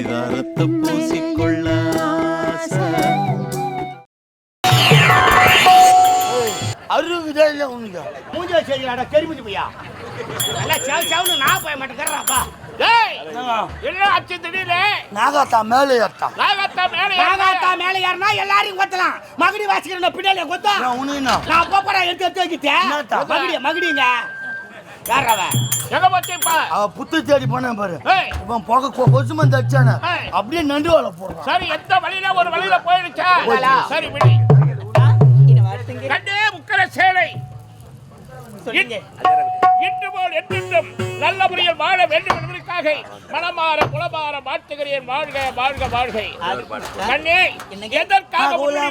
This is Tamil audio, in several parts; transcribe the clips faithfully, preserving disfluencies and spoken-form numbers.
பரிதாரத்தை பூசிக்கொள்ள அறுபது உனக்கு மூஞ்சா செய்யலாடா கெருமிட்டு போயா நல்லா சேவ் சேவ்னு நான் போய மாட்டேங்கிறப்பா நாகாத்தா மேலே ஏத்தா நாகாத்தா மேலே ஏறினா எல்லாரையும் கொத்தலாம் மகுடி வாசிக்கிற பின்னாலே கொத்தா நான் போப்படா எடுத்து எடுத்து வைக்கிட்டேன் மகுடி மகுடிங்க யாரவ எங்க போச்சுப்பா அவ புத்து தேடி போனேன் பாரு இவன் போக கொசு மந்து அடிச்சானே அப்படியே நண்டு வாழ போறான் சரி எந்த வழியில ஒரு வழியில போயிடுச்சா சரி விடு கண்டே முக்கர சேலை இன்று போல் என்றென்றும் நல்ல முறையில் வாழ வேண்டும் என்பதற்காக மனமாற குலமாற வாழ்த்துகிறேன். வாழ்க வாழ்க வாழ்க. கண்ணே எதற்காக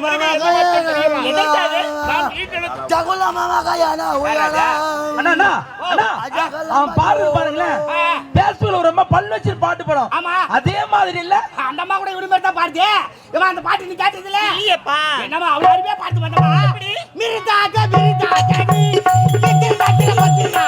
ரொம்ப பல்லு வச்சு பாட்டு படம் அதே மாதிரி இல்ல அந்த அம்மா கூட இவரு மாதிரி தான் பாடுது. இவன் அந்த பாட்டு நீ கேட்டது இல்ல இல்லையப்பா என்னமா அவ்வளவு அருமையா பாட்டு பண்ணமா மிரிதாக மிரிதாக நீ எத்தனை பாட்டுல பாத்தீங்க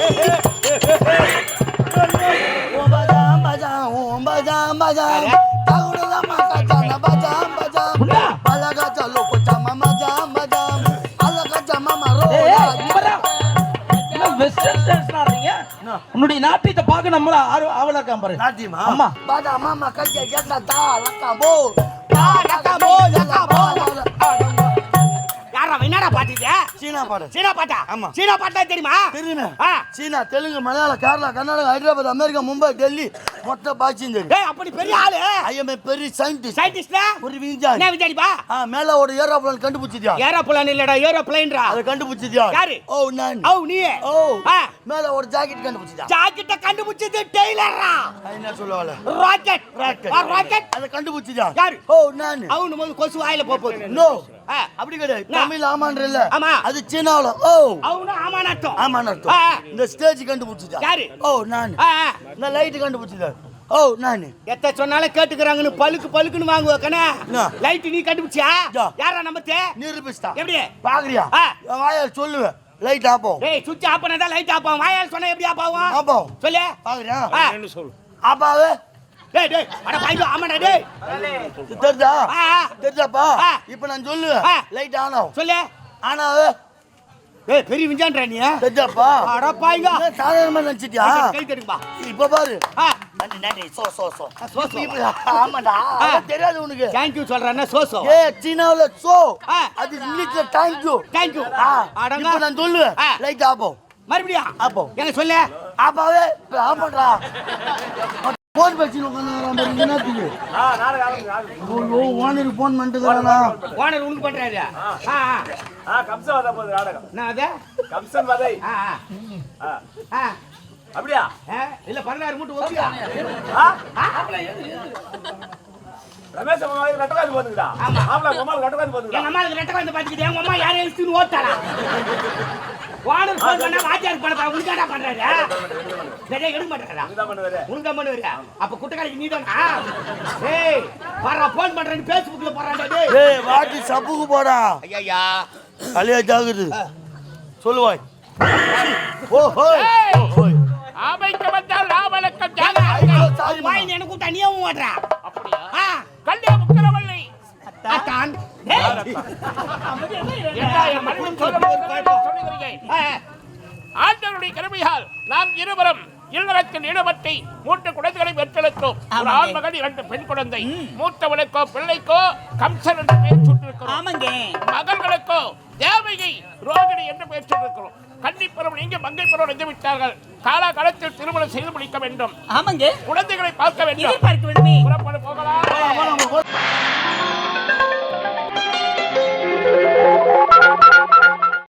ஓ பஜாம் பஜாம் ஓ பஜாம் பஜாம் தாகுடல மாசா ஜான பஜாம் பஜாம் பலகா चलो பஜாம் பஜாம் பஜாம் பலகா ஜமாமா ரோ என்ன வெஸ்டர்ன் டான்ஸ் ஆடுறீங்க உன்னுடைய நாட்டியத்தை பார்க்க நம்மள ஆவலா இருக்கான் பாரு நாட்டியமா அம்மா பாடா மாமா கஜ ஜட்டா தா லக்கபோ தா லக்கபோ லக்கபோ யாரா என்னடா பாட்டுது சீனா பாட்டு சீனா பாட்டா ஆமா சீனா பாட்டா தெரியுமா தெரியுமே சீனா தெலுங்கு மலையாளம் கேரளா கர்நாடகா ஹைதராபாத் அமெரிக்கா மும்பை டெல்லி மொத்த பாட்சியும் தெரியும். ஏய் அப்படி பெரிய ஆளு ஐ எம் a பெரிய சயின்டிஸ்ட் சயின்டிஸ்ட்னா ஒரு விஞ்ஞானி என்ன விஞ்ஞானிப்பா ஆ மேல ஒரு ஏரோப்ளேன் கண்டுபிடிச்சிட்டியா ஏரோப்ளேன் இல்லடா ஏரோப்ளேன்டா அத கண்டுபிடிச்சிட்டியா யாரு ஓ நான் ஓ நீ ஓ மேல ஒரு ஜாக்கெட் கண்டுபிடிச்சிட்டியா ஜாக்கெட்ட கண்டுபிடிச்சது டெய்லரா என்ன சொல்லுவால ராக்கெட் ராக்கெட் ராக்கெட் அத கண்டுபிடிச்சிட்டியா யாரு ஓ நான் அவனு முதல்ல கொசு வாயில போகுது நோ அப்படி கிடையாது தமிழ் ஆமான்ற இல்ல ஆமா அது சீனாவுல ஓ அவனு ஆமானட்டும் ஆமானட்டும் இந்த ஸ்டேஜ் கண்டுபிடிச்சிட்டா யாரு ஓ நான் இந்த லைட் கண்டுபிடிச்சிட்டா ஓ நான் எத்த சொன்னாலே கேட்டுக்கறாங்கன்னு பலுக்கு பலுக்குன்னு வாங்குவ கண்ணா லைட் நீ கண்டுபிடிச்சியா யாரா நம்பத்தே நிரூபிஸ்தா எப்படி பாக்குறியா வாயால சொல்லுவே லைட் ஆப் ஆகும் டேய் சுவிட்ச் ஆஃப் பண்ணாதான் லைட் ஆஃப் ஆகும் வாயால சொன்னா எப்படி ஆஃப் ஆகும் ஆஃப் ஆகும் சொல்லு பாக்குறியா என்ன சொல்லு ஆஃப் ஆவே டேய் டேய் அட பாய்டா ஆமாடா டேய் தெரிதா தெரிதாப்பா இப்போ நான் சொல்லுவேன் லைட் ஆன் ஆகும் சொல்லு ஆன் ஆவே ஏய் பெரிய விஞ்ஞானடா நீ தெரிதாப்பா அட பாய்ங்க சாதாரணமா நினைச்சிட்டியா கை தடுப்பா இப்போ பாரு நன்றி நன்றி சோ சோ சோ சோ சோ ஆமாடா தெரியாது உனக்கு थैंक यू சொல்றேன்னா சோ சோ ஏய் சீனாவுல சோ அது இங்கிலீஷ்ல थैंक you थैंक you அடங்க இப்போ நான் சொல்லுவேன் லைட் ஆஃப் ஆகும் மறுபடியும் ஆஃப் ஆகும் எங்க சொல்லு ஆஃப் ஆவே ஆஃப் பண்றா போன் பேசி உட்கார்ந்து என்ன தீங்க ஆ நானே ஓ ஓனர் போன் பண்ணிட்டுறானா ஓனர் உனக்கு பண்றாரு ஆ ஆ கம்சன் வத போகுது நாடகம் என்ன அது கம்சன் வதை ஆ ஆ ஆ அப்படியே இல்ல பதினாறு மூட்டை ஓகேயா ஆ ஆப்ல ஏது ரமேஷ் மாமா ரெட்டகாந்து போடுங்கடா ஆமா ஆப்ல மாமா ரெட்டகாந்து போடுங்கடா எங்க அம்மாக்கு ரெட்டகாந்து பாத்துக்கிட்டு எங்க அம்மா யாரை எழுத்துன்னு ஓட்டாளா ஓனர் போன் பண்ணா வாத்தியார் பண்ண உனக்கடா பண்றாரு சரியா எடுக்க மாட்டறடா நீதான் பண்ணுவற உனக்கு தான் பண்ணுவற அப்ப குட்டகாலிக்கு நீதானா ஏய் வர போன் பண்றேன்னு Facebookல போறான்டா டேய் ஏய் வாட்டி சப்புக்கு போடா ஐயா கலியா ஜாகுது சொல்லுவாய் ஓ ஹோய் ஓ ஹோய் ஆமைக்கு வந்தால் ராமலக்கம் ஜாக வாய் எனக்கு கூட்ட நீயும் ஓடுறா அப்படியே ஆ கல்லே முக்கரவள்ளி அத்தான் ஆண்டவருடைய கிருபையால் நாம் இருவரும் இல்லறத்தில் ஈடுபட்டு மூன்று குழந்தைகளை பெற்றெடுத்தோம். ஒரு ஆண் மகன் இரண்டு பெண் குழந்தை. மூத்தவனுக்கோ பிள்ளைக்கோ கம்சன் என்று பெயர் சூட்டிருக்கிறோம். மகள்களுக்கோ தேவகி ரோகிணி என்று பெயர் சூட்டிருக்கிறோம். கன்னிப்பருவம் இங்கே மங்கை பருவம் வந்து விட்டார்கள். காலகாலத்தில் திருமணம் செய்து முடிக்க வேண்டும். குழந்தைகளை பார்க்க வேண்டும். புறப்பட போகலாம்.